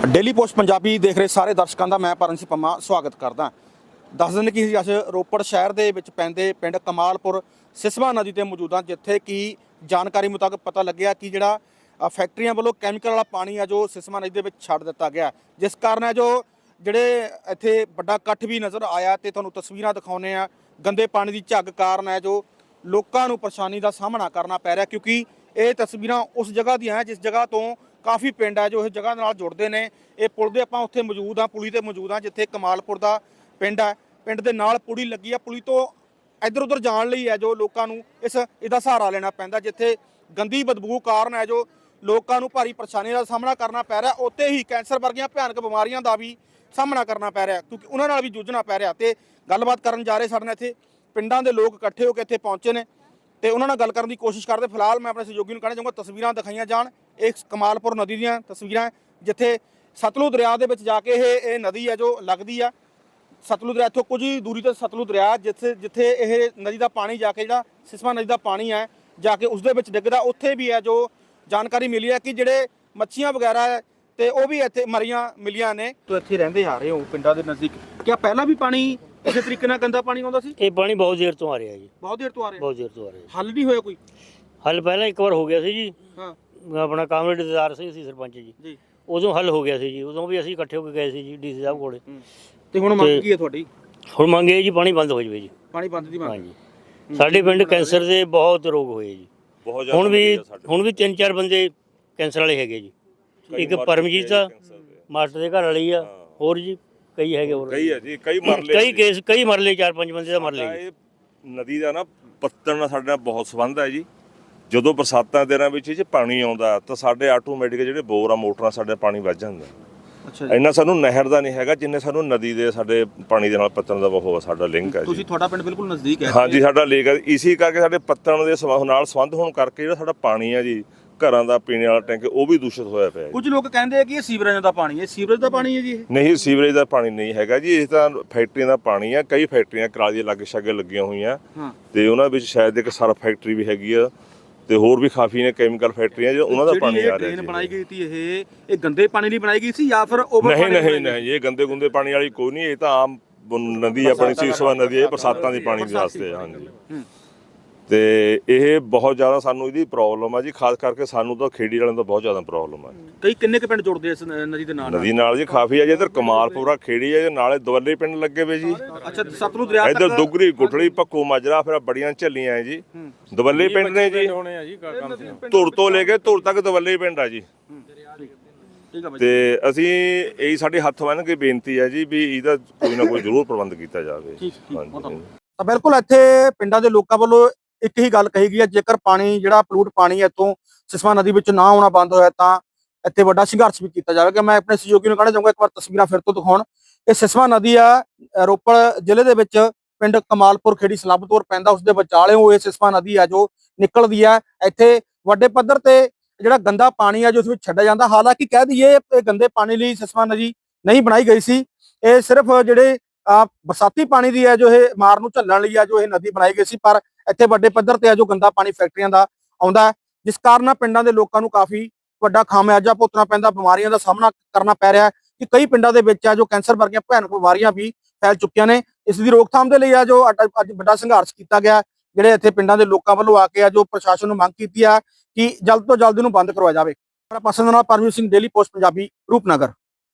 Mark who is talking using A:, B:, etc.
A: Daily post Punjabi देख रहे सारे दर्शकों का मैं परमजीत पंमा स्वागत करदा। दस दिन कि अस रोपड़ शहर के पैंदे पिंड कमालपुर सिसवा नदी पर मौजूद हाँ, जिथे कि जानकारी मुताबिक पता लग्या कि जिहड़ा फैक्ट्रियां वालों कैमिकल वाला पानी है जो सिसवा नदी के छड्ड दिता गया, जिस कारण है जो जिहड़े इत्थे बड़ा इकट्ठ भी नज़र आया। तो तुहानूं तस्वीरां दिखाउने आ, गंदे पानी की झग कारण है जो लोगों को परेशानी का सामना करना पै रहा, क्योंकि ये तस्वीरां उस जगह दी हैं जिस जगह तो काफ़ी पिंड है जो इस जगह नाल जुड़ते हैं। ये पुल दे आपां उत्थे मौजूद हाँ, पुली ते मौजूद हाँ, जिथे कमालपुर का पिंड है। पिंड दे नाल पुली लगी है, पुली तो इधर उधर जाण लई है जो लोगों को इसदा सहारा लेना पैंदा, जिथे गंदी बदबू कारण है जो लोगों को भारी परेशानी का सामना करना पै रहा। उत्ते ही कैंसर वर्गियां भयानक बीमारियां का भी सामना करना पै रहा, क्योंकि उन्हां नाल भी जूझना पै रहा। तो गलबात करन जा रहे साडे नाल इत्थे पिंडां दे लोग इकट्ठे होकर इत्थे पहुंचे ने ते उन्हां नाल गल करन दी कोशिश करदे। फिलहाल मैं अपने सहयोगी नूं कहना चाहूँगा तस्वीरां दिखाईयां जाण। एक कमालपुर नदी दीयां तस्वीरां जिथे सतलुज दरिया दे विच जाके ये नदी है जो लगदी आ। सतलुज दरिया इत्थों कुछ ही दूरी ते सतलुज दरिया जिथे जिथे ये नदी का पानी जाके जिहड़ा सिसवा नदी का पानी है जाके उसदे विच डिगदा, उत्थे भी है जो जानकारी मिली है कि जिहड़े मच्छियां वगैरह है तो वह भी इत्थे मरियां मिलियां ने। तो इत्थे रहिंदे आ रहे हो पिंडां दे नज़दीक, क्या पहला भी पानी इस तरीके नाल गंदा पानी आउंदा सी?
B: ये पानी बहुत देर तो आ रहा है जी,
A: बहुत देर तो आ रहा
B: बहुत देर तो आ रहा है।
A: हल नहीं होया कोई?
B: हल पहला एक बार हो गया सी जी,
A: हाँ
B: अपना कामरेडदार ਸੀ ਸਰਪੰਚ ਜੀ,
A: ਜੀ।
B: ਉਦੋਂ ਹੱਲ ਹੋ ਗਿਆ ਸੀ ਜੀ, ਉਦੋਂ ਵੀ ਅਸੀਂ ਇਕੱਠੇ ਹੋ ਕੇ ਗਏ ਸੀ ਜੀ ਡੀਸੀ ਸਾਹਿਬ ਕੋਲੇ।
A: ਤੇ ਹੁਣ ਮੰਗ ਕੀ ਹੈ ਤੁਹਾਡੀ?
B: ਹੁਣ ਮੰਗੇ ਜੀ ਪਾਣੀ ਬੰਦ ਹੋ ਜਾਵੇ ਜੀ,
A: ਪਾਣੀ ਬੰਦ ਦੀ ਮੰਗ।
B: ਹਾਂਜੀ ਸਾਡੇ ਪਿੰਡ ਕੈਂਸਰ ਦੇ ਬਹੁਤ ਰੋਗ ਹੋਏ ਜੀ,
C: ਬਹੁਤ
B: ਹੁਣ ਵੀ 3-4 ਬੰਦੇ ਕੈਂਸਰ ਵਾਲੇ ਹੈਗੇ ਜੀ। ਇੱਕ ਪਰਮਜੀਤ ਆ ਮਾਸਟਰ ਦੇ ਘਰ ਵਾਲੀ ਆ, ਹੋਰ ਜੀ ਕਈ ਹੈਗੇ, ਹੋਰ
C: ਕਈ ਹੈ ਜੀ, ਕਈ ਮਰਲੇ,
B: ਕਈ ਕੇਸ ਕਈ ਮਰਲੇ, 4-5 ਬੰਦੇ ਦਾ ਮਰਲੇ ਜੀ।
C: ਇਹ ਨਦੀ ਦਾ ਨਾ ਪੱਤਣ ਨਾਲ ਸਾਡੇ ਨਾਲ ਬਹੁਤ ਸੰਬੰਧ ਹੈ ਜੀ। ਜਦੋਂ ਬਰਸਾਤਾਂ ਦੇ ਦਿਨਾਂ ਵਿੱਚ ਇਹ 'ਚ ਪਾਣੀ ਆਉਂਦਾ ਤਾਂ ਸਾਡੇ ਆਟੋਮੈਟਿਕ ਜਿਹੜੇ ਬੋਰ ਆ ਮੋਟਰਾਂ ਸਾਡੇ ਪਾਣੀ ਵੱਜ ਜਾਂਦਾ।
A: ਅੱਛਾ ਜੀ।
C: ਇੰਨਾ ਸਾਨੂੰ ਨਹਿਰ ਦਾ ਨਹੀਂ ਹੈਗਾ ਜਿੰਨੇ ਸਾਨੂੰ ਨਦੀ ਦੇ ਸਾਡੇ ਪਾਣੀ ਦੇ ਨਾਲ ਪੱਤਣ ਦਾ ਬਹੁਤ ਸਾਡਾ ਲਿੰਕ ਹੈ ਜੀ।
A: ਤੁਸੀਂ ਤੁਹਾਡਾ ਪਿੰਡ ਬਿਲਕੁਲ ਨਜ਼ਦੀਕ ਹੈ?
C: ਹਾਂਜੀ ਸਾਡਾ ਲੇਕ ਹੈ, ਇਸੇ ਕਰਕੇ ਸਾਡੇ ਪੱਤਣ ਦੇ ਨਾਲ ਸੰਬੰਧ ਹੋਣ ਕਰਕੇ ਜਿਹੜਾ ਸਾਡਾ ਪਾਣੀ ਹੈ ਜੀ ਘਰਾਂ ਦਾ ਪੀਣੇ ਵਾਲਾ ਟੈਂਕ ਉਹ ਵੀ ਦੂਸ਼ਿਤ ਹੋਇਆ ਪਿਆ।
A: ਕੁਝ ਲੋਕ ਕਹਿੰਦੇ ਆ ਕਿ ਇਹ ਸੀਵਰੇਜ ਦਾ ਪਾਣੀ ਹੈ, ਸੀਵਰੇਜ ਦਾ ਪਾਣੀ ਹੈ ਜੀ ਇਹ?
C: ਨਹੀਂ, ਸੀਵਰੇਜ ਦਾ ਪਾਣੀ ਨਹੀਂ ਹੈਗਾ ਜੀ, ਇਹ ਤਾਂ ਫੈਕਟਰੀਆਂ ਦਾ ਪਾਣੀ ਆ। ਕਈ ਫੈਕਟਰੀਆਂ ਕਰਾਲੀ ਲਾਗੇ ਛਾਗੇ ਲੱਗੀਆਂ ਹੋਈਆਂ ਤੇ ਉਹਨਾਂ ਵਿੱਚ ਸ਼ਾਇਦ ਇੱਕ ਸਰਫ ਫੈਕਟਰੀ ਵੀ ਹੈਗੀ ਆ ਤੇ ਹੋਰ ਵੀ ਕਾਫੀ ਨੇ ਕੈਮੀਕਲ ਫੈਕਟਰੀਆਂ ਜੋ ਉਹਨਾਂ ਦਾ ਪਾਣੀ ਆ ਰਿਹਾ ਜੀ।
A: ਟ੍ਰੇਨ ਬਣਾਈ ਗਈ ਸੀ ਇਹ ਗੰਦੇ ਪਾਣੀ ਲਈ ਬਣਾਈ ਗਈ ਸੀ ਜਾਂ ਫਿਰ ਓਵਰ ਪਾਣੀ?
C: ਨਹੀਂ, ਇਹ ਗੰਦੇ ਗੁੰਦੇ ਪਾਣੀ ਵਾਲੀ ਕੋਈ ਨਹੀਂ, ਇਹ ਤਾਂ ਆਮ ਨਦੀ ਆਪਣੀ ਸਿਸਵਾ ਨਦੀ ਹੈ, ਬਰਸਾਤਾਂ ਦੀ ਪਾਣੀ ਦੇ ਵਾਸਤੇ। ਹਾਂਜੀ ਤੇ ਇਹ ਬਹੁਤ ਜ਼ਿਆਦਾ ਸਾਨੂੰ ਇਹਦੀ ਪ੍ਰੋਬਲਮ ਆ ਜੀ, ਖਾਸ ਕਰਕੇ ਸਾਨੂੰ ਤਾਂ ਖੇੜੀ ਵਾਲਿਆਂ ਤੋਂ ਬਹੁਤ ਜ਼ਿਆਦਾ ਪ੍ਰੋਬਲਮ ਆ।
A: ਕਿੰਨੇ ਕੁ ਪਿੰਡ ਜੁੜਦੇ ਇਸ ਨਦੀ ਦੇ ਨਾਲ?
C: ਨਦੀ ਨਾਲ ਜੀ ਕਾਫੀ ਆ ਜੀ, ਇੱਧਰ ਕਮਾਲਪੁਰਾ ਖੇੜੀ ਹੈ, ਨਾਲੇ ਦਵੱਲੇ ਪਿੰਡ ਲੱਗੇ ਵੇ ਜੀ।
A: ਅੱਛਾ, ਸਤਲੁਜ ਦਰਿਆ
C: ਇੱਧਰ ਦੁਗਰੀ ਗੁਠੜੀ ਭੱਕੋ ਮਾਜਰਾ ਫਿਰ ਬੜੀਆਂ ਝੱਲੀਆਂ ਹੈ ਜੀ। ਦਵੱਲੇ ਪਿੰਡ ਨੇ ਜੀ, ਧੁਰ ਤੋਂ ਲੈ ਕੇ ਧੁਰ ਤੱਕ ਦਵੱਲੇ ਪਿੰਡ ਆ ਜੀ। ਤੇ ਅਸੀਂ ਇਹੀ ਸਾਡੇ ਹੱਥ ਬੰਨ੍ਹ ਕੇ ਬੇਨਤੀ ਹੈ ਜੀ ਵੀ ਇਹਦਾ ਕੋਈ ਨਾ ਕੋਈ ਜ਼ਰੂਰ ਪ੍ਰਬੰਧ ਕੀਤਾ ਜਾਵੇ। ਹਾਂਜੀ
A: ਤਾਂ ਬਿਲਕੁਲ ਇੱਥੇ ਪਿੰਡਾਂ ਦੇ ਲੋਕਾਂ ਵੱਲੋਂ ਇੱਕ ਹੀ ਗੱਲ ਕਹੀ ਗਈ ਹੈ, ਜੇਕਰ ਪਾਣੀ ਜਿਹੜਾ ਪਲੂਟ ਪਾਣੀ ਇੱਥੋਂ ਸਿਸਵਾ ਨਦੀ ਵਿੱਚ ਨਾ ਆਉਣਾ ਬੰਦ ਹੋਇਆ ਤਾਂ ਇੱਥੇ ਵੱਡਾ ਸੰਘਰਸ਼ ਵੀ ਕੀਤਾ ਜਾਵੇਗਾ। ਮੈਂ ਆਪਣੇ ਸਹਿਯੋਗੀ ਨੂੰ ਕਹਿਣਾ ਚਾਹੂੰਗਾ ਇੱਕ ਵਾਰ ਤਸਵੀਰਾਂ ਫਿਰ ਤੋਂ ਦਿਖਾਉਣ। ਇਹ ਸਿਸਵਾ ਨਦੀ ਆ ਰੋਪੜ ਜ਼ਿਲ੍ਹੇ ਦੇ ਵਿੱਚ ਪਿੰਡ ਕਮਾਲਪੁਰ ਖੇੜੀ ਸਲਾਬਤਪੁਰ ਪੈਂਦਾ, ਉਸ ਦੇ ਵਿਚਾਲਿਓਂ ਇਹ ਸਿਸਵਾ ਨਦੀ ਆ ਜੋ ਨਿਕਲਦੀ ਆ। ਇੱਥੇ ਵੱਡੇ ਪੱਧਰ ਤੇ ਜਿਹੜਾ ਗੰਦਾ ਪਾਣੀ ਆ ਜੋ ਉਸ ਵਿੱਚ ਛੱਡਿਆ ਜਾਂਦਾ। ਹਾਲਾਂਕਿ ਕਹਿ ਦਈਏ ਇਹ ਗੰਦੇ ਪਾਣੀ ਲਈ ਸਿਸਵਾ ਨਦੀ ਨਹੀਂ ਬਣਾਈ ਗਈ ਸੀ, ਇਹ ਸਿਰਫ ਜਿਹੜੇ ਬਰਸਾਤੀ ਪਾਣੀ ਦੀ ਹੈ ਜੋ ਇਹ ਮਾਰ ਨੂੰ ਝੱਲਣ ਲਈ ਆ ਜੋ ਇਹ ਨਦੀ ਬਣਾਈ ਗਈ ਸੀ। ਪਰ ਇੱਥੇ ਵੱਡੇ ਪੱਧਰ ਤੇ ਆ ਜੋ ਗੰਦਾ ਪਾਣੀ ਫੈਕਟਰੀਆਂ ਦਾ ਆਉਂਦਾ, ਜਿਸ ਕਾਰਨ ਪਿੰਡਾਂ ਦੇ ਲੋਕਾਂ ਨੂੰ ਕਾਫੀ ਵੱਡਾ ਖਾਮਿਆਜਾ ਭੁਗਤਣਾ ਪੈਂਦਾ, ਬਿਮਾਰੀਆਂ ਦਾ ਸਾਹਮਣਾ ਕਰਨਾ ਪੈ ਰਿਹਾ ਕਿ ਕਈ ਪਿੰਡਾਂ ਦੇ ਵਿੱਚ ਆ ਜੋ ਕੈਂਸਰ ਵਰਗੀਆਂ ਭਿਆਨਕ ਬਿਮਾਰੀਆਂ ਵੀ ਫੈਲ ਚੁੱਕੀਆਂ ਨੇ। ਇਸ ਦੀ ਰੋਕਥਾਮ ਦੇ ਲਈ ਆ ਜੋ ਅੱਜ ਵੱਡਾ ਸੰਘਰਸ਼ ਕੀਤਾ ਗਿਆ, ਜਿਹੜੇ ਇੱਥੇ ਪਿੰਡਾਂ ਦੇ ਲੋਕਾਂ ਵੱਲੋਂ ਆ ਕੇ ਆ ਜੋ ਪ੍ਰਸ਼ਾਸਨ ਨੂੰ ਮੰਗ ਕੀਤੀ ਆ ਕਿ ਜਲਦ ਤੋਂ ਜਲਦ ਇਹਨੂੰ ਬੰਦ ਕਰਵਾਇਆ ਜਾਵੇ। Paramjit Singh, Daily Post Punjabi, Rupnagar.